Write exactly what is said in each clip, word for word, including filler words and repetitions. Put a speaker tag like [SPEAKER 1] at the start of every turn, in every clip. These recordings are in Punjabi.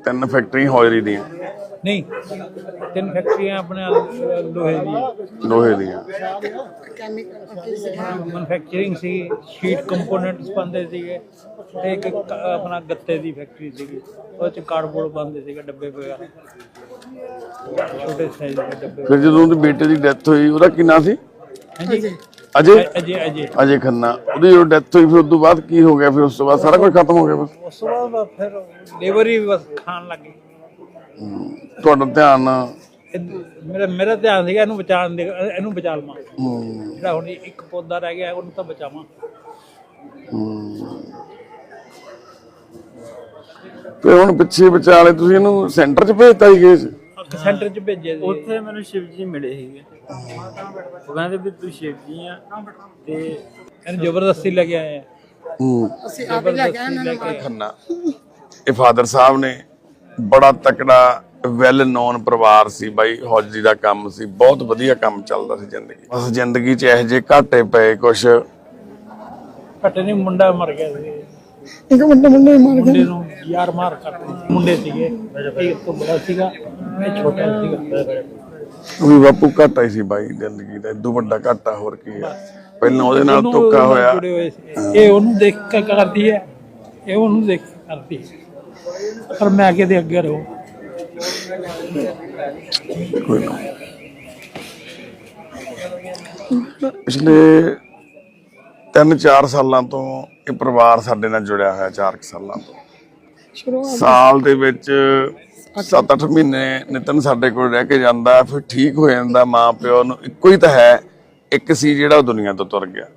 [SPEAKER 1] तीन फैक्ट्री हौजरी दी
[SPEAKER 2] नहीं तीन फैक्ट्रियां अपने लोहे दी
[SPEAKER 1] लोहे दी
[SPEAKER 2] मैन्युफैक्चरिंग सी शीट कंपोनेंट्स बनते सीगे ते एक अपना गत्ते दी फैक्ट्री सीगी ओह च कार्डबोर्ड बनते सीगे डब्बे वगैरह छोटे साइज के डब्बे।
[SPEAKER 1] फिर जो उनके बेटे की डेथ हुई ਉਹਦਾ ਕੀ ਨਾਂ ਸੀ?
[SPEAKER 2] ਹਾਂਜੀ
[SPEAKER 1] अजय
[SPEAKER 2] अजय अजय
[SPEAKER 1] अजय खन्ना ਉਹਦੀ जो डेथ हुई फिर उस तो बाद की हो गया? फिर उस तो बाद सारा कुछ खत्म हो गया बस?
[SPEAKER 2] उस तो बाद फिर लेबर ही बस खान लग गई।
[SPEAKER 1] ਤੁਹਾਡਾ ਧਿਆਨ
[SPEAKER 2] ਮੇਰਾ ਮੇਰਾ ਧਿਆਨ ਸੀਗਾ ਇਹਨੂੰ ਬਚਾਉਣ ਦੇ ਇਹਨੂੰ ਬਚਾ ਲਵਾਂ ਜਿਹੜਾ ਹੁਣ ਇੱਕ ਪੌਦਾ ਰਹਿ ਗਿਆ ਉਹਨੂੰ ਤਾਂ ਬਚਾਵਾਂ।
[SPEAKER 1] ਤੇ ਹੁਣ ਪਿੱਛੇ ਵਿਚਾਲੇ ਤੁਸੀਂ ਇਹਨੂੰ ਸੈਂਟਰ 'ਚ ਭੇਜਤਾ ਹੀ ਗਏ ਸੀ?
[SPEAKER 2] ਸੈਂਟਰ 'ਚ ਭੇਜਿਆ ਸੀ।
[SPEAKER 3] ਉੱਥੇ ਮੈਨੂੰ ਸ਼ਿਵ ਜੀ ਮਿਲੇ ਸੀਗੇ ਉਹ ਕਹਿੰਦੇ ਵੀ ਤੂੰ ਸ਼ਿਵ ਜੀ ਆ ਤੇ
[SPEAKER 2] ਇਹਨੂੰ ਜ਼ਬਰਦਸਤੀ ਲੈ ਕੇ ਆਏ ਆ।
[SPEAKER 1] ਅਸੀਂ ਆਪ ਲੈ ਕੇ ਆਏ ਖੰਨਾ ਇਹ ਫਾਦਰ ਸਾਹਿਬ ਨੇ ਬੜਾ ਤਕੜਾ ਵੈਲ ਨੋਨ ਪਰਿਵਾਰ ਸੀ ਬਾਈ। ਹੌਜਰੀ ਦਾ ਕੰਮ ਸੀ, ਬਹੁਤ ਵਧੀਆ ਕੰਮ ਚੱਲਦਾ ਸੀ ਜ਼ਿੰਦਗੀ। ਬਸ ਜ਼ਿੰਦਗੀ 'ਚ ਇਹੋ ਜਿਹੇ ਘਾਟੇ ਪਏ ਕੁਛ।
[SPEAKER 2] ਘੱਟੇ ਨਹੀਂ ਮੁੰਡਾ ਮਰ ਗਿਆ ਸੀ
[SPEAKER 4] ਇੱਕ ਮੁੰਡਾ ਮੁੰਡੇ ਮਾਰ ਗਿਆ
[SPEAKER 2] ਮੁੰਡੇ ਨੂੰ ਯਾਰ ਮਾਰ ਕਰਦੇ ਮੁੰਡੇ ਸੀਗੇ ਇੱਕ ਤੋਂ ਬੜਾ ਸੀਗਾ ਇਹ ਛੋਟਾ ਸੀਗਾ।
[SPEAKER 1] ਵੀ ਬਾਪੂ ਘਾਟਾ ਹੀ ਸੀ ਬਾਈ ਜ਼ਿੰਦਗੀ ਦਾ, ਇਦੋਂ ਵੱਡਾ ਘਾਟਾ ਹੋਰ ਕੀ ਹੈ। ਪਹਿਲਾਂ ਉਹਦੇ ਨਾਲ ਧੋਖਾ ਹੋਇਆ।
[SPEAKER 2] ਇਹ ਉਹਨੂੰ ਦੇਖ ਕੇ ਕਰਦੀ ਹੈ ਇਹ ਉਹਨੂੰ ਦੇਖ ਕੇ ਕਰਦੀ ਹੈ ਪਰ ਮੈਂ ਅੱਗੇ ਦੇ ਅੱਗੇ ਰਹੋ।
[SPEAKER 1] ਕੋਈ ਨਾ ਪਿਛਲੇ ਤਿੰਨ ਚਾਰ ਸਾਲਾਂ ਤੋਂ ਇਹ ਪਰਿਵਾਰ ਸਾਡੇ ਨਾਲ ਜੁੜਿਆ ਹੋਇਆ। ਚਾਰ ਸਾਲਾਂ ਤੋਂ ਸਾਲ ਦੇ ਵਿੱਚ ਸੱਤ ਅੱਠ ਮਹੀਨੇ ਨਿਤਨ ਸਾਡੇ ਕੋਲ ਰਹਿ ਕੇ ਜਾਂਦਾ, ਫਿਰ ਠੀਕ ਹੋ ਜਾਂਦਾ। ਮਾਂ ਪਿਓ ਨੂੰ ਇੱਕੋ ਹੀ ਤਾਂ ਹੈ, ਇੱਕ ਸੀ ਜਿਹੜਾ ਉਹ ਦੁਨੀਆ ਤੋਂ ਤੁਰ ਗਿਆ।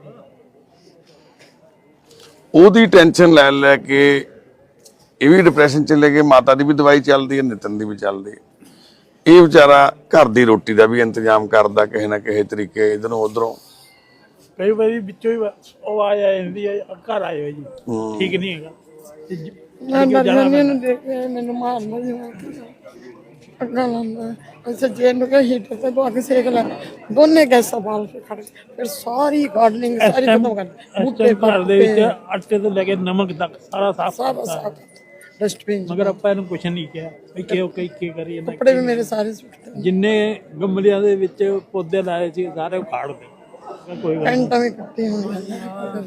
[SPEAKER 1] ਉਹਦੀ ਟੈਨਸ਼ਨ ਲੈ ਲੈ ਕੇ ਇਹ ਵੀ ਡਿਪਰੈਸ਼ਨ ਚਲੇ ਗਏ। ਮਾਤਾ ਦੀ ਵੀ ਦਵਾਈ ਚੱਲਦੀ ਹੈ, ਨਿਤਨ ਦੀ ਵੀ ਚੱਲਦੀ ਹੈ। ਇਹ ਵਿਚਾਰਾ ਘਰ ਦੀ ਰੋਟੀ ਦਾ ਵੀ ਇੰਤਜ਼ਾਮ ਕਰਦਾ ਕਿਸੇ ਨਾ ਕਿਸੇ ਤਰੀਕੇ, ਇਧਰੋਂ ਉਧਰੋਂ।
[SPEAKER 2] ਕਈ ਵਾਰੀ ਵਿੱਚੋਂ ਹੀ ਉਹ ਆ ਜਾਂਦੀ ਹੈ ਘਰ ਆਇਓ ਜੀ ਠੀਕ ਨਹੀਂ ਹੈਗਾ
[SPEAKER 4] ਮੈਂ ਮਰਨੇ ਨੂੰ ਦੇਖ ਕੇ ਮੈਨੂੰ ਮਾਰਨਾ ਜੀ ਅੱਗਾ ਲਾਂਦਾ ਅੱਛਾ ਜੇ ਨੂੰ ਕਹੇ ਹੀਟਰ ਤੇ ਬੋ ਕੇ ਸੇਕ ਲੈ ਦੋਨੇ ਗੈਸਾਂ ਬਾਲ ਕੇ ਖੜ ਫਿਰ ਸਾਰੀ ਗਾਰਡਨਿੰਗ ਸਾਰੀ ਖਤਮ ਕਰ
[SPEAKER 2] ਬੂਟੇ ਘਰ ਦੇ ਵਿੱਚ ਆਟੇ ਤੋਂ ਲੈ ਕੇ ਨਮਕ ਤੱਕ ਸਾਰਾ ਸਾਫ
[SPEAKER 4] ਸਾਰਾ ਡਸਟਬਿਨ
[SPEAKER 2] ਮਗਰ ਆਪਾਂ ਇਹਨੂੰ ਕੁਛ ਨਹੀਂ ਕਿਹਾ ਵੀ ਕਿਉਂ ਕਈ ਕੀ ਕਰੀ ਜਾਂਦਾ।
[SPEAKER 4] ਕੱਪੜੇ ਵੀ ਮੇਰੇ ਸਾਰੇ ਸੁੱਟਦੇ
[SPEAKER 2] ਜਿੰਨੇ ਗਮਲਿਆਂ ਦੇ ਵਿੱਚ ਪੌਦੇ ਲਾਏ ਸੀ ਸਾਰੇ ਉਖਾੜ ਦੇ ਕੋਈ ਗੱਲ
[SPEAKER 4] ਪੈਂਟਾਂ ਵੀ ਕੱਟੀ ਹੋਈਆਂ।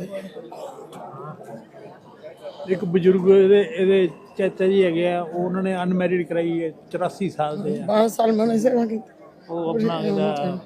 [SPEAKER 2] ਇੱਕ ਬਜ਼ੁਰਗ ਇਹਦੇ ਇਹਦੇ ਚਾਚਾ ਜੀ ਹੈਗੇ ਆ ਉਹ ਉਹਨਾਂ ਨੇ ਅਨਮੈਰਿਡ ਕਰਾਈ ਹੈ ਚੁਰਾਸੀ ਸਾਲ ਦੇ ਆ।
[SPEAKER 4] ਬਾਰਾਂ ਸਾਲ ਮੈਂ ਸੇਵਾ ਕੀਤੀ।
[SPEAKER 2] ਉਹ ਆਪਣਾ ਇਹਦਾ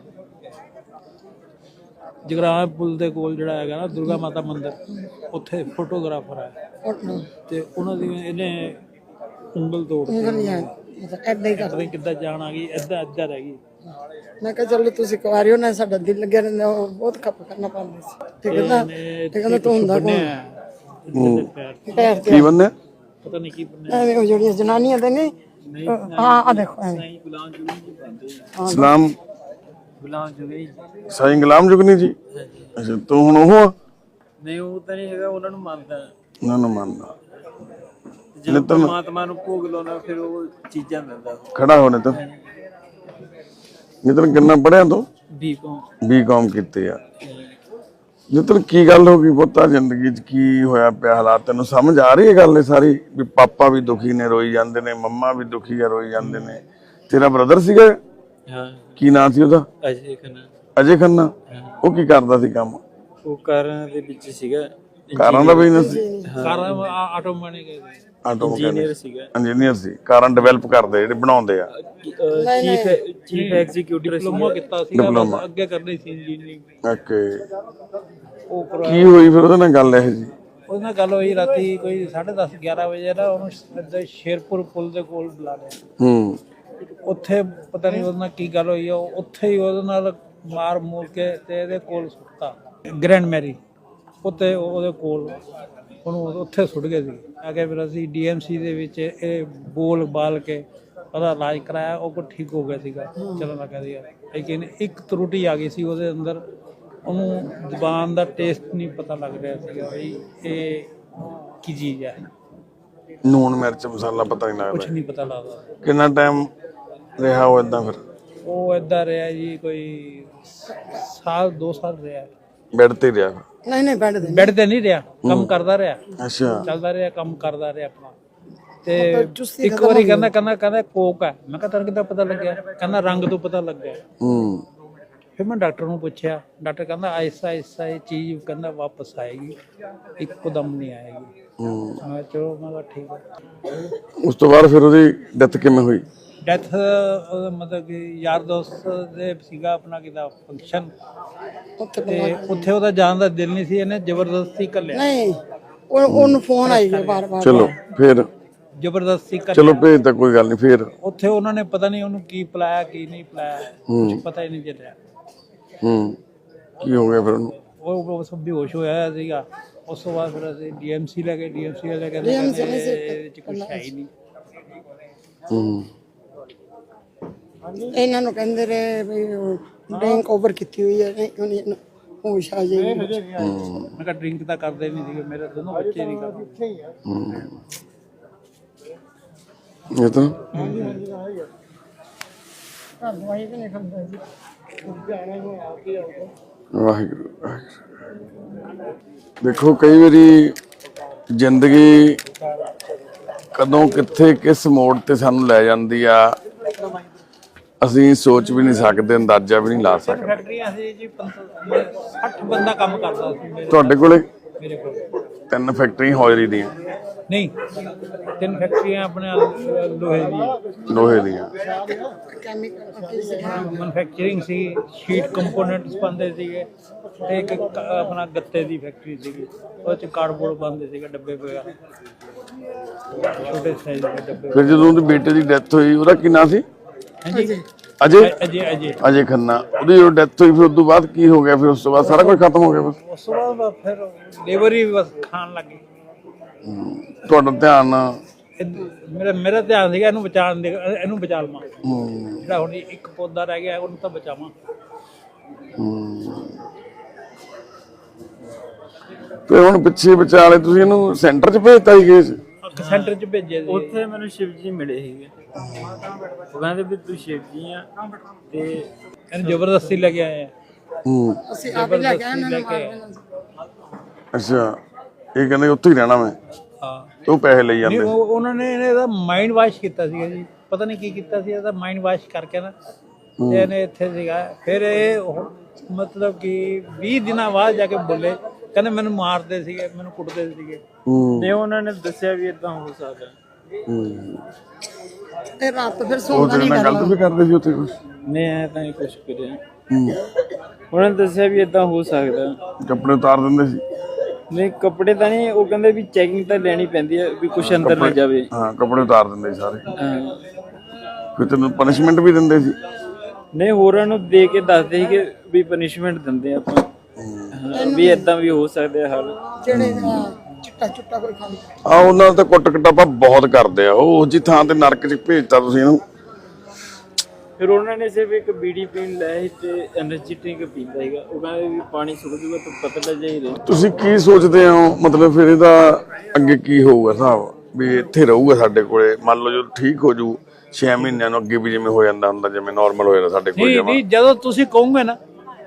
[SPEAKER 2] ਜਗਰਾਵਾਂ ਪੁਲ ਦੇ ਕੋਲ ਜਿਹੜਾ ਹੈਗਾ ਨਾ ਦੁਰਗਾ ਮਾਤਾ ਮੰਦਿਰ ਉੱਥੇ ਫੋਟੋਗ੍ਰਾਫਰ ਹੈ ਤੇ ਉਹਨਾਂ ਦੀ ਇਹਨੇ ਉਂਗਲ ਤੋੜ ਦਿੱਤੀ।
[SPEAKER 4] ਏਦਾਂ ਹੀ ਕਰਦੇ
[SPEAKER 2] ਕਿੱਦਾਂ ਜਾਣ ਆ ਗਈ ਏਦਾਂ ਏਦਾਂ ਰਹਿ ਗਈ।
[SPEAKER 4] ਮੈਂ ਕਿਹਾ ਚਲੋ ਤੁਸੀਂ ਕੁਆਰੀ ਹੋ ਨਾ ਸਾਡਾ ਦਿਲ ਲੱਗਿਆ ਰਹਿੰਦਾ ਉਹ ਬਹੁਤ ਖੱਪ ਕਰਨਾ ਪੈਂਦਾ ਸੀ ਤੇ ਕਹਿੰਦਾ ਤੇ ਕਹਿੰਦਾ ਤੂੰ ਹੁੰਦਾ ਕੌਣ ਪੈਰ ਤੇ
[SPEAKER 1] ਕੀ ਬੰਨੇ
[SPEAKER 2] ਪਤਾ ਨਹੀਂ ਕੀ ਬੰਨਿਆ
[SPEAKER 4] ਐਵੇਂ ਉਹ ਜਿਹੜੀਆਂ ਜਨਾਨੀਆਂ ਦੇ ਨੇ ਹਾਂ ਆ ਦੇਖੋ ਐਵੇਂ
[SPEAKER 3] ਗੁਲਾਮ ਜੁਗਨੀ ਜੀ ਬੰਦੇ
[SPEAKER 1] ਸਲਾਮ
[SPEAKER 3] ਗੁਲਾਮ ਜੁਗਨੀ
[SPEAKER 1] ਸਾਈਂ ਗੁਲਾਮ ਜੁਗਨੀ ਜੀ। ਅੱਛਾ ਤੂੰ ਹੁਣ ਉਹ ਆ?
[SPEAKER 3] ਨਹੀਂ ਉਹ ਤਾਂ ਨਹੀਂ ਹੈਗਾ ਉਹਨਾਂ ਨੂੰ ਮੰਨਦਾ
[SPEAKER 1] ਉਹਨਾਂ ਨੂੰ ਮੰਨਦਾ।
[SPEAKER 3] ਜਦੋਂ ਪਰਮਾਤਮਾ ਨੂੰ ਭੋਗ ਲਾਉਣਾ ਫਿਰ ਉਹ ਚੀਜ਼ਾਂ ਦਿੰਦਾ।
[SPEAKER 1] ਖੜਾ ਹੋ ਨਿਤਨ। ਨਿਤਨ ਕਿੰਨਾ ਪੜਿਆ ਤੂੰ?
[SPEAKER 3] ਬੀ ਕੌਮ
[SPEAKER 1] ਬੀ ਕੌਮ ਕੀਤੇ ਆ। ਨਿਤਨ ਕੀ ਗੱਲ ਹੋ ਗਈ ਪੁੱਤਾ ਜ਼ਿੰਦਗੀ 'ਚ ਕੀ ਹੋਇਆ ਪਿਆ ਹਾਲਾਤ ਤੈਨੂੰ ਸਮਝ ਆ ਰਹੀ ਹੈ ਗੱਲ ਇਹ ਸਾਰੀ ਵੀ ਪਾਪਾ ਵੀ ਦੁਖੀ ਨੇ ਰੋਈ ਜਾਂਦੇ ਨੇ, ਮੰਮਾ ਵੀ ਦੁਖੀ ਆ ਰੋਈ ਜਾਂਦੇ ਨੇ। ਤੇਰਾ ਬ੍ਰਦਰ ਸੀਗਾ?
[SPEAKER 3] ਹਾਂ।
[SPEAKER 1] ਕੀ ਨਾਂ ਸੀ ਉਹਦਾ?
[SPEAKER 3] ਅਜੇ ਖੰਨਾ।
[SPEAKER 1] ਅਜੇ ਖੰਨਾ। ਉਹ ਕੀ ਕਰਦਾ ਸੀ ਕੰਮ?
[SPEAKER 3] ਉਹ ਕਾਰਾਂ ਦੇ ਵਿੱਚ ਸੀਗਾ।
[SPEAKER 1] ਕਾਰਾਂ ਦਾ ਬਿਜ਼ਨਸ ਸੀ?
[SPEAKER 2] ਕਾਰਾਂ ਆਟੋ ਮੈਨੇ ਗਏ
[SPEAKER 1] ਆਟੋ
[SPEAKER 3] ਇੰਜੀਨੀਅਰ ਸੀਗਾ।
[SPEAKER 1] ਇੰਜੀਨੀਅਰ ਸੀ। ਕਾਰਾਂ ਡਿਵੈਲਪ ਕਰਦੇ ਜਿਹੜੇ ਬਣਾਉਂਦੇ ਆ।
[SPEAKER 3] ਚੀਫ ਚੀਫ ਐਗਜ਼ੀਕਿਊਟਿਵ
[SPEAKER 2] ਡਿਪਲੋਮਾ ਕੀਤਾ ਸੀ ਅੱਗੇ ਕਰਨੀ ਸੀ ਇੰਜੀਨੀਅਰਿੰਗ।
[SPEAKER 1] ਓਕੇ।
[SPEAKER 2] ਉਹ
[SPEAKER 1] ਕੀ ਹੋਈ ਫਿਰ ਉਹਦੇ ਨਾਲ ਗੱਲ ਇਹ ਜੀ?
[SPEAKER 2] ਉਹਦੇ ਨਾਲ ਗੱਲ ਹੋਈ ਰਾਤੀ ਕੋਈ ਸਾਢੇ ਦਸ ਗਿਆਰਾਂ ਵਜੇ ਨਾ ਉਹਨੂੰ ਸ਼ੇਰਪੁਰ ਪੁਲ ਦੇ ਕੋਲ ਬੁਲਾ ਲਿਆ।
[SPEAKER 1] ਹੂੰ।
[SPEAKER 2] ਉੱਥੇ ਪਤਾ ਨਹੀਂ ਉਹਦੇ ਨਾਲ ਕੀ ਗੱਲ ਹੋਈ ਆ ਉੱਥੇ ਹੀ ਉਹਦੇ ਨਾਲ ਮਾਰ ਮੂਰ ਕੇ ਤੇ ਇਹਦੇ ਕੋਲ ਸੁੱਟਤਾ ਗ੍ਰੈਂਡ ਮੈਰੀ ਉੱਤੇ ਉਹਦੇ ਕੋਲ ਉਹਨੂੰ ਉੱਥੇ ਸੁੱਟ ਗਏ ਸੀ। ਆ ਕੇ ਫਿਰ ਅਸੀਂ ਡੀ ਐਮ ਸੀ ਦੇ ਵਿੱਚ ਇਹ ਬੋਲ ਬਾਲ ਕੇ ਉਹਦਾ ਇਲਾਜ ਕਰਾਇਆ ਉਹ ਕੋ ਠੀਕ ਹੋ ਗਿਆ ਸੀਗਾ ਚੱਲਣ ਲੱਗਾ ਸੀਗਾ। ਲੇਕਿਨ ਇੱਕ ਤਰੁਟੀ ਆ ਗਈ ਸੀ ਉਹਦੇ ਅੰਦਰ ਉਹਨੂੰ ਜ਼ੁਬਾਨ ਦਾ ਟੇਸਟ ਨਹੀਂ ਪਤਾ ਲੱਗ ਰਿਹਾ ਸੀਗਾ ਵੀ ਇਹ ਕੀ ਚੀਜ਼ ਹੈ।
[SPEAKER 1] ਨੂਣ ਮਿਰਚ ਮਸਾਲਾ ਪਤਾ ਨਹੀਂ
[SPEAKER 2] ਕੁਛ
[SPEAKER 1] ਲੱਗਦਾ।
[SPEAKER 2] ਨਹੀਂ ਪਤਾ ਲੱਗਦਾ।
[SPEAKER 1] ਕਿੰਨਾ ਟਾਈਮ ਰਿਹਾ ਉਹ ਏਦਾਂ ਫਿਰ?
[SPEAKER 2] ਉਹ ਏਦਾਂ ਰਿਹਾ ਜੀ ਕੋਈ ਸਾਲ ਦੋ ਸਾਲ ਰਿਹਾ।
[SPEAKER 1] ਬੈੱਡ ਤੇ ਰਿਹਾ?
[SPEAKER 4] ਨਹੀਂ ਨਹੀਂ ਬੈਠ ਦੇ
[SPEAKER 2] ਬੈੱਡ ਤੇ ਨਹੀਂ ਰਿਹਾ ਕੰਮ ਕਰਦਾ ਰਿਹਾ।
[SPEAKER 1] ਅੱਛਾ।
[SPEAKER 2] ਚੱਲਦਾ ਰਿਹਾ ਕੰਮ ਕਰਦਾ ਰਿਹਾ ਆਪਣਾ। ਤੇ
[SPEAKER 4] ਚੁਸਤੀ
[SPEAKER 2] ਇੱਕ ਵਾਰੀ ਕਹਿੰਦਾ ਕਹਿੰਦਾ ਕਹਿੰਦਾ ਕੋਕ ਹੈ। ਮੈਂ ਕਿਹਾ ਤੈਨੂੰ ਕਿੱਦਾਂ ਪਤਾ ਲੱਗਿਆ? ਕਹਿੰਦਾ ਰੰਗ ਤੋਂ ਪਤਾ ਲੱਗਿਆ।
[SPEAKER 1] ਹੂੰ
[SPEAKER 2] ਫਿਰ ਮੈਂ ਡਾਕਟਰ ਨੂੰ ਪੁੱਛਿਆ, ਡਾਕਟਰ ਕਹਿੰਦਾ ਆਹਿਸਤਾ ਆਹਿਸਤਾ ਇਹ ਚੀਜ਼ ਕਹਿੰਦਾ ਵਾਪਸ ਆਏਗੀ, ਇੱਕਦਮ ਨਹੀਂ ਆਏਗੀ।
[SPEAKER 1] ਹੂੰ
[SPEAKER 2] ਮੈਂ ਕਿਹਾ ਚਲੋ, ਮੈਂ ਕਿਹਾ ਠੀਕ ਹੈ।
[SPEAKER 1] ਉਸ ਤੋਂ ਬਾਅਦ ਫਿਰ ਉਹਦੀ ਡੈਥ ਕਿਵੇਂ ਹੋਈ?
[SPEAKER 2] ਡੈਥ ਮਤਲਬ ਕਿ ਯਾਰ ਦੋਸਤ ਦੇ ਸੀਗਾ ਆਪਣਾ ਕਿਦਾ ਫੰਕਸ਼ਨ, ਤੇ ਉੱਥੇ ਉਹਦਾ ਜਾਣ ਦਾ ਦਿਲ ਨਹੀਂ ਸੀ, ਇਹਨੇ ਜ਼ਬਰਦਸਤੀ ਘੱਲਿਆ।
[SPEAKER 4] ਨਹੀਂ ਉਹ ਉਹਨੂੰ ਫੋਨ ਆਈ ਗਿਆ ਬਾਰ ਬਾਰ।
[SPEAKER 1] ਚਲੋ ਫਿਰ
[SPEAKER 2] ਜ਼ਬਰਦਸਤੀ ਘੱਲਿਆ।
[SPEAKER 1] ਚਲੋ ਭੇਜ ਤਾਂ ਕੋਈ ਗੱਲ ਨਹੀਂ। ਫਿਰ
[SPEAKER 2] ਉੱਥੇ ਉਹਨਾਂ ਨੇ ਪਤਾ ਨਹੀਂ ਉਹਨੂੰ ਕੀ ਪਿਲਾਇਆ ਕੀ ਨਹੀਂ ਪਿਲਾਇਆ, ਕੁਝ ਪਤਾ ਹੀ ਨਹੀਂ ਚੱਲਿਆ।
[SPEAKER 1] ਹੂੰ ਕੀ ਹੋ ਗਿਆ ਫਿਰ ਉਹਨੂੰ?
[SPEAKER 2] ਉਹ ਉਹ ਸਭ ਬੇਹੋਸ਼ ਹੋਇਆ ਹੋਇਆ ਸੀਗਾ। ਉਸ ਤੋਂ ਬਾਅਦ ਫਿਰ ਅਸੀਂ ਡੀਐਮਸੀ ਲੈ ਗਏ। ਡੀਐਮਸੀ ਵਾਲੇ ਕਹਿੰਦੇ ਇਹਦੇ ਚ ਕੁਝ ਹੈ ਹੀ ਨਹੀਂ।
[SPEAKER 1] ਹੂੰ
[SPEAKER 4] ਇਹਨਾਂ ਨੂੰ ਕਹਿੰਦੇ ਰਹੇ ਵੀ ਡਰਿੰਕ ਓਵਰ ਕੀਤੀ ਹੋਈ ਹੈ, ਉਹਨੇ ਇਹਨੂੰ ਹੋਸ਼ ਆ ਜਾਏਗੀ।
[SPEAKER 2] ਮੈਂ ਕਿਹਾ ਡਰਿੰਕ ਤਾਂ ਕਰਦੇ ਨਹੀਂ ਸੀਗੇ, ਮੇਰੇ ਦੋਨੋਂ ਬੱਚੇ ਨਹੀਂ ਕਰਦੇ।
[SPEAKER 1] ਇਹ ਤਾਂ
[SPEAKER 4] ਦਵਾਈ ਵੀ ਨਹੀਂ ਖਾਂਦਾ ਜੀ।
[SPEAKER 1] ਵਾਹਿਗੁਰੂ ਵਾਹਿਗੁਰੂ। ਦੇਖੋ ਕਈ ਵਾਰੀ ਜ਼ਿੰਦਗੀ ਕਦੋਂ ਕਿੱਥੇ ਕਿਸ ਮੋੜ ਤੇ ਸਾਨੂੰ ਲੈ ਜਾਂਦੀ ਆ, ਅਸੀਂ ਸੋਚ ਵੀ ਨਹੀਂ ਸਕਦੇ, ਅੰਦਾਜ਼ਾ ਵੀ ਨਹੀਂ ਲਾ ਸਕਦੇ।
[SPEAKER 2] ਫੈਕਟਰੀਆਂ ਸੀ ਜੀ, ਸੱਠ ਬੰਦਾ ਕੰਮ ਕਰਦਾ ਸੀ ਮੇਰੇ
[SPEAKER 1] ਤੁਹਾਡੇ ਕੋਲੇ
[SPEAKER 2] ਮੇਰੇ ਕੋਲ।
[SPEAKER 1] ਤਿੰਨ ਫੈਕਟਰੀਆਂ ਹੌਜਰੀ ਦੀਆਂ?
[SPEAKER 2] ਨਹੀਂ, ਤਿੰਨ ਫੈਕਟਰੀਆਂ ਆਪਣੇ ਲੋਹੇ ਦੀ
[SPEAKER 1] ਲੋਹੇ ਦੀਆਂ।
[SPEAKER 2] ਮੈਨੂਫੈਕਚਰਿੰਗ ਸੀ, ਸ਼ੀਟ ਕੰਪੋਨੈਂਟਸ ਬਣਦੇ ਸੀਗੇ, ਤੇ ਇੱਕ ਕ- ਆਪਣਾ ਗੱਤੇ ਦੀ ਫੈਕਟਰੀ ਸੀਗੀ, ਉਹ ਚ ਕਾਰਡਬੋਰਡ ਬਣਦੇ ਸੀਗੇ, ਡੱਬੇ ਵਗੈਰਾ, ਛੋਟੇ ਸਾਈਜ਼ ਦੇ ਡੱਬੇ।
[SPEAKER 1] ਫਿਰ ਜਦੋਂ ਉਹਦੇ ਬੇਟੇ ਦੀ ਡੈਥ ਹੋਈ, ਉਹਦਾ ਕੀ ਨਾਂ ਸੀ?
[SPEAKER 2] ਹਾਂਜੀ,
[SPEAKER 1] ਅਜੇ
[SPEAKER 2] ਅਜੇ ਅਜੇ
[SPEAKER 1] ਅਜੇ ਖੰਨਾ। ਉਹਦੀ ਜਦੋਂ ਡੈਥ ਹੋਈ ਫਿਰ ਉਸ ਤੋਂ ਬਾਅਦ ਕੀ ਹੋ ਗਿਆ? ਫਿਰ ਉਸ ਤੋਂ ਬਾਅਦ ਸਾਰਾ ਕੁਝ ਖਤਮ ਹੋ ਗਿਆ ਬਸ?
[SPEAKER 2] ਉਸ ਤੋਂ ਬਾਅਦ ਫਿਰ ਲੇਬਰ ਹੀ ਬਸ ਖਾਣ ਲੱਗੀ।
[SPEAKER 1] ਤੁਹਾਡਾ ਧਿਆਨ?
[SPEAKER 2] ਇਹ- ਮੇਰਾ ਮੇਰਾ ਧਿਆਨ ਸੀਗਾ ਇਹਨੂੰ ਬਚਾਉਣ ਦੇ, ਇਹਨੂੰ ਬਚਾ ਲਵਾਂ।
[SPEAKER 1] ਹੂੰ
[SPEAKER 2] ਜਿਹੜਾ ਹੁਣ ਇੱਕ ਪੌਦਾ ਰਹਿ ਗਿਆ ਉਹਨੂੰ ਤਾਂ ਬਚਾਵਾਂ।
[SPEAKER 1] ਫਿਰ ਹੁਣ ਪਿੱਛੇ ਵਿਚਾਲੇ ਤੁਸੀਂ ਇਹਨੂੰ ਸੈਂਟਰ 'ਚ ਭੇਜਤਾ ਸੀ ਕੇਸ?
[SPEAKER 2] ਸੈਂਟਰ ਚ ਭੇਜਿਆ ਸੀ।
[SPEAKER 3] ਉੱਥੇ ਮੈਨੂੰ ਸ਼ਿਵ ਜੀ ਮਿਲੇ ਸੀਗੇ। ਉਹ ਕਹਿੰਦੇ ਵੀ ਤੂੰ ਸ਼ਿਵ ਜੀ ਆ, ਤੇ
[SPEAKER 2] ਇਹਨੂੰ ਜ਼ਬਰਦਸਤੀ ਲੈ ਕੇ ਆਏ ਆ।
[SPEAKER 1] ਹੂੰ
[SPEAKER 4] ਅਸੀਂ ਆਪ ਹੀ ਲੈ ਕੇ ਆਏ, ਇਹਨਾਂ ਨੂੰ ਮਾਰ ਦੇਣਾ ਸੀ।
[SPEAKER 1] ਅੱਛਾ, ਇਹ ਕਹਿੰਦੇ ਉੱਥੇ ਹੀ ਰਹਿਣਾ ਮੈਂ,
[SPEAKER 2] ਹਾਂ,
[SPEAKER 1] ਤੇ ਉਹ ਪੈਸੇ ਲਈ
[SPEAKER 2] ਨਹੀਂ
[SPEAKER 1] ਜਾਂਦੇ।
[SPEAKER 2] ਉਹ ਉਹਨਾਂ ਨੇ ਇਹਦਾ ਮਾਈਂਡ ਵਾਸ਼ ਕੀਤਾ ਸੀਗਾ ਜੀ, ਪਤਾ ਨਹੀਂ ਕੀ ਕੀਤਾ ਸੀ, ਇਹਦਾ ਮਾਈਂਡ ਵਾਸ਼ ਕਰਕੇ ਨਾ ਤੇ ਇਹਨੇ ਇੱਥੇ ਸੀਗਾ। ਫਿਰ ਇਹ ਉਹ ਮਤਲਬ ਕਿ ਵੀਹ ਦਿਨਾਂ ਬਾਅਦ ਜਾ ਕੇ ਬੋਲੇ, ਕਹਿੰਦੇ ਮੈਨੂੰ ਮਾਰਦੇ ਸੀਗੇ, ਮੈਨੂੰ ਕੁੱਟਦੇ ਸੀਗੇ।
[SPEAKER 1] ਹੂੰ
[SPEAKER 3] ਤੇ ਉਹਨਾਂ ਨੇ ਦੱਸਿਆ ਵੀ ਇਦਾਂ ਹੋ ਸਕਦਾ।
[SPEAKER 1] ਹੂੰ
[SPEAKER 4] ਤੇ ਰਾਤ ਫਿਰ
[SPEAKER 1] ਉਹ
[SPEAKER 4] ਸੌਂਦਾ
[SPEAKER 1] ਤੇਰੇ
[SPEAKER 4] ਨਹੀਂ
[SPEAKER 1] ਨਾਲ ਗਲਤ ਵੀ ਕਰਦੇ ਸੀ ਉੱਥੇ ਕੁਝ?
[SPEAKER 3] ਨਹੀਂ ਐ ਤਾਂ ਨਹੀਂ ਕੁਛ ਕਰਿਆ।
[SPEAKER 1] ਹੂੰ
[SPEAKER 3] ਉਹਨਾਂ ਨੇ ਦੱਸਿਆ ਵੀ ਇਦਾਂ ਹੋ ਸਕਦਾ।
[SPEAKER 1] ਕੱਪੜੇ ਉਤਾਰ ਦਿੰਦੇ ਸੀ?
[SPEAKER 3] ਨਹੀਂ ਕੱਪੜੇ ਤਾਂ ਨਹੀਂ, ਉਹ ਕਹਿੰਦੇ ਵੀ ਚੈਕਿੰਗ ਤਾਂ ਲੈਣੀ ਪੈਂਦੀ ਹੈ ਵੀ ਕੁਛ ਅੰਦਰ ਨਾ ਜਾਵੇ।
[SPEAKER 1] ਹਾਂ, ਕੱਪੜੇ ਉਤਾਰ ਦਿੰਦੇ ਸੀ ਸਾਰੇ।
[SPEAKER 3] ਹਾਂ।
[SPEAKER 1] ਫਿਰ ਤੈਨੂੰ ਪਨਿਸ਼ਮੈਂਟ ਵੀ ਦਿੰਦੇ ਸੀ?
[SPEAKER 3] ਨਹੀਂ ਹੋਰਾਂ ਨੂੰ ਦੇ ਕੇ ਦੱਸਦੇ ਸੀ ਕਿ ਵੀ ਪਨਿਸ਼ਮੈਂਟ ਦਿੰਦੇ ਆਪਾਂ, ਹਾਂ, ਵੀ ਇਦਾਂ ਵੀ ਹੋ ਸਕਦਾ ਹੱਲ।
[SPEAKER 4] ਜਿਹੜੇ ਚਿੱਟਾ ਚੁੱਟਾ ਕੋਈ ਖਾਂਦਾ।
[SPEAKER 1] ਆ ਉਹਨਾਂ ਦਾ ਤਾਂ ਕੁੱਟ ਕਟਾਪਾ ਬਹੁਤ ਕਰਦੇ ਆ। ਉਹ ਜੀ ਥਾਂ ਤੇ ਨਰਕ 'ਚ ਭੇਜਤਾ ਤੁਸੀਂ ਇਹਨੂੰ।
[SPEAKER 3] ਫਿਰ ਉਹਨਾਂ ਨੇ ਸਿਰਫ ਇੱਕ ਬੀੜੀ ਪੀਣ ਲਾਇਆ ਤੇ ਐਨਰਜੀ ਡਰਿੰਕ ਪੀਂਦਾ ਸੀਗਾ। ਉਹ ਕਹਿੰਦੇ ਵੀ ਪਾਣੀ ਸੁੱਕ ਜੂਗਾ ਤਾਂ ਪਤਲਾ ਜਿਹਾ ਹੀ ਰਹੇ।
[SPEAKER 1] ਤੁਸੀਂ ਕੀ ਸੋਚਦੇ ਹੋ ਮਤਲਬ ਫਿਰ ਇਹਦਾ ਅੱਗੇ ਕੀ ਹੋਊਗਾ ਹਿਸਾਬ? ਵੀ ਇੱਥੇ ਰਹੂਗਾ ਸਾਡੇ ਕੋਲੇ, ਮੰਨ ਲਓ ਜੋ ਠੀਕ ਹੋ ਜੂ ਛੇ ਮਹੀਨਿਆਂ ਨੂੰ, ਅੱਗੇ ਵੀ ਜਿਵੇਂ ਹੋ ਜਾਂਦਾ ਹੁੰਦਾ, ਜਿਵੇਂ ਨਾਰਮਲ ਹੋ ਜਾਂਦਾ ਸਾਡੇ ਕੋਲ
[SPEAKER 2] ਨਹੀਂ
[SPEAKER 1] ਜਮਾ?
[SPEAKER 2] ਨਹੀਂ, ਜਦੋਂ ਤੁਸੀਂ ਕਹੋਗੇ ਨਾ,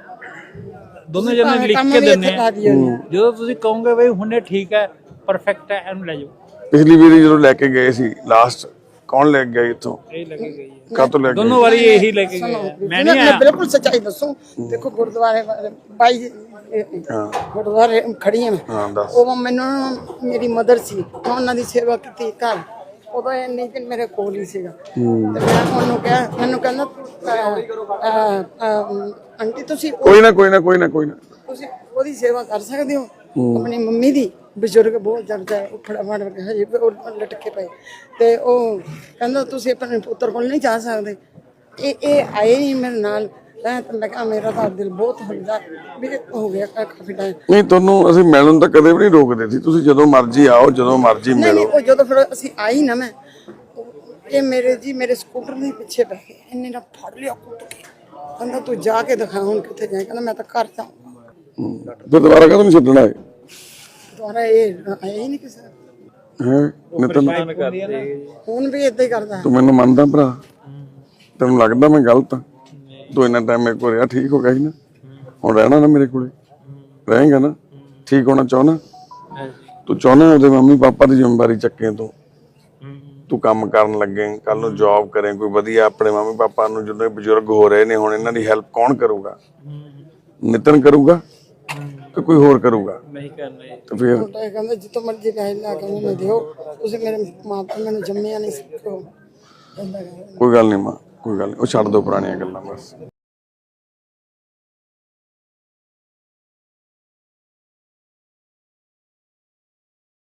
[SPEAKER 2] ਦੋਨੇ ਜਣੇ ਲਿਖ ਕੇ ਦਿੰਨੇ ਆ, ਜਦੋਂ ਤੁਸੀਂ ਕਹੋਗੇ ਬਈ ਹੁਣੇ ਠੀਕ ਹੈ, ਪਰਫੈਕਟ ਹੈ, ਇਹਨੂੰ ਲੈ ਜਾਓ।
[SPEAKER 1] ਪਿਛਲੀ ਵਾਰੀ ਜਦੋਂ ਲੈ ਕੇ ਗਏ ਸੀ ਲਾਸਟ, ਕੌਣ ਲੈ ਕੇ ਗਿਆ ਇੱਥੋਂ?
[SPEAKER 2] ਇਹ ਲੈ ਕੇ ਗਈ ਹੈ
[SPEAKER 1] ਕਾਹਤੋਂ ਲੈ ਕੇ
[SPEAKER 2] ਦੋਨੋਂ ਵਾਰੀ, ਇਹੀ ਲੈ ਕੇ ਗਏ। ਮੈਂ ਨਹੀਂ ਆਇਆ।
[SPEAKER 4] ਬਿਲਕੁਲ ਸੱਚਾਈ ਦੱਸੋ। ਦੇਖੋ ਗੁਰਦੁਆਰੇ ਵਾਲੇ ਬਾਈ ਗੁਰਦੁਆਰੇ ਖੜੀ ਹਾਂ।
[SPEAKER 1] ਹਾਂ ਦੱਸ।
[SPEAKER 4] ਉਹ ਮੈਨੂੰ ਮੇਰੀ ਮਦਰ ਸੀ, ਮੈਂ ਉਹਨਾਂ ਦੀ ਸੇਵਾ ਕੀਤੀ ਘਰ। ਉਦੋਂ ਇੰਨੀ ਦਿਨ ਮੇਰੇ ਕੋਲ ਹੀ ਸੀਗਾ, ਤੇ ਮੈਂ ਉਹਨੂੰ ਕਿਹਾ, ਮੈਨੂੰ ਕਹਿੰਦਾ ਅਹ, ਅਹ, ਆਂਟੀ ਤੁਸੀਂ
[SPEAKER 1] ਕੋਈ ਨਾ ਕੋਈ ਨਾ ਕੋਈ ਨਾ ਕੋਈ ਨਾ
[SPEAKER 4] ਤੁਸੀਂ ਉਹਦੀ ਸੇਵਾ ਕਰ ਸਕਦੇ ਹੋ, ਆਪਣੀ ਮੰਮੀ ਦੀ। ਬਜ਼ੁਰਗ ਬਹੁਤ ਜਰਦਾ ਹੈ, ਉਹ ਫੜਾ ਫੜ ਕੇ ਹਜੇ ਵੀ ਉਹ ਲਟਕੇ ਪਏ। ਤੇ ਉਹ ਕਹਿੰਦਾ ਤੁਸੀਂ ਆਪਣੇ ਪੁੱਤਰ ਕੋਲ ਨਹੀਂ ਜਾ ਸਕਦੇ। ਇਹ ਇਹ ਆਏ ਨਹੀਂ ਮੇਰੇ ਨਾਲ। ਮੈਂ ਤਾਂ ਮੈਂ ਕਿਹਾ ਮੇਰਾ ਤਾਂ ਦਿਲ ਬਹੁਤ ਹੁੰਦਾ ਵੀ ਹੋ ਗਿਆ ਕਾਫੀ ਟਾਈਮ।
[SPEAKER 1] ਨਹੀਂ, ਤੁਹਾਨੂੰ ਅਸੀਂ ਮਿਲਣ ਤਾਂ ਕਦੇ ਵੀ ਨਹੀਂ ਰੋਕਦੇ ਸੀ। ਤੁਸੀਂ ਜਦੋਂ ਮਰਜ਼ੀ ਆਓ, ਜਦੋਂ ਮਰਜ਼ੀ
[SPEAKER 4] ਨਹੀਂ
[SPEAKER 1] ਮਿਲੋ।
[SPEAKER 4] ਨਹੀਂ, ਉਹ ਜਦੋਂ ਫਿਰ ਅਸੀਂ ਆਈ ਨਾ, ਮੈਂ ਇਹ ਮੇਰੇ ਜੀ ਮੇਰੇ ਸਕੂਟਰ ਦੇ ਪਿੱਛੇ ਬੈ ਕੇ ਇਹਨੇ ਨਾ ਫੜ ਲਿਆ ਕੁੱਟ ਕੇ। ਕਹਿੰਦਾ ਤੂੰ ਜਾ ਕੇ ਦਿਖਾ ਹੁਣ ਕਿੱਥੇ ਜਾਏ। ਕਹਿੰਦਾ ਮੈਂ ਤਾਂ ਘਰ ਜਾਊਂਗਾ।
[SPEAKER 1] ਫਿਰ ਦੁਬਾਰਾ ਕਦੋਂ ਛੱਡਣਾ ਹੈ?
[SPEAKER 4] ਦੁਬਾਰਾ ਇਹ ਆਇਆ ਹੀ ਨਹੀਂ ਕਿਸੇ
[SPEAKER 1] ਹੈ ਨਿਤਨ?
[SPEAKER 4] ਹੁਣ ਵੀ ਏਦਾਂ ਹੀ ਕਰਦਾ।
[SPEAKER 1] ਤੂੰ ਮੈਨੂੰ ਮੰਨਦਾ ਭਰਾ? ਤੈਨੂੰ ਲੱਗਦਾ ਮੈਂ ਗਲਤ ਆ? ਤੂੰ ਇੰਨਾ ਟਾਈਮ ਮੇਰੇ ਕੋਲ ਰਿਹਾ, ਠੀਕ ਹੋ ਗਿਆ ਸੀ ਨਾ? ਹੁਣ ਰਹਿਣਾ ਨਾ ਮੇਰੇ ਕੋਲੇ, ਰਹੇਗਾ ਨਾ? ਠੀਕ ਹੋਣਾ ਚਾਹੁੰਦਾ? ਤੂੰ ਚਾਹੁੰਦਾ ਉਹਦੇ ਮੰਮੀ ਪਾਪਾ ਦੀ ਜ਼ਿੰਮੇਵਾਰੀ ਚੱਕੇ ਤੂੰ? ਤੂੰ ਕੰਮ ਕਰਨ ਲੱਗੇ, ਕੱਲ ਨੂੰ ਜੌਬ ਕਰੇ ਕੋਈ ਵਧੀਆ, ਆਪਣੇ ਮੰਮੀ ਪਾਪਾ ਨੂੰ ਜਦੋਂ ਇਹ ਬਜ਼ੁਰਗ ਹੋ ਰਹੇ ਨੇ ਹੁਣ ਇਹਨਾਂ ਦੀ ਹੈਲਪ ਕੌਣ ਕਰੂਗਾ? ਨਿਤਨ ਕਰੂਗਾ ਕਿ ਕੋਈ ਹੋਰ ਕਰੂਗਾ?
[SPEAKER 3] ਨਹੀਂ ਕਰਨਾ
[SPEAKER 1] ਤੇ ਫਿਰ
[SPEAKER 4] ਛੋਟਾ ਕਹਿੰਦਾ ਜਿੱਥੋਂ ਮਰਜ਼ੀ ਪੈਸੇ ਲਾ ਕੇ ਮੈਨੂੰ ਦਿਓ, ਤੁਸੀਂ ਮੇਰੇ ਮਾਂ ਪਿਓ ਮੈਨੂੰ ਜੰਮਿਆ ਨਹੀਂ ਸਿੱਖੋ।
[SPEAKER 1] ਕੋਈ ਗੱਲ ਨਹੀਂ ਮਾਂ, ਕੋਈ ਗੱਲ ਨਹੀਂ, ਉਹ ਛੱਡ ਦੋ ਪੁਰਾਣੀਆਂ ਗੱਲਾਂ ਬਸ।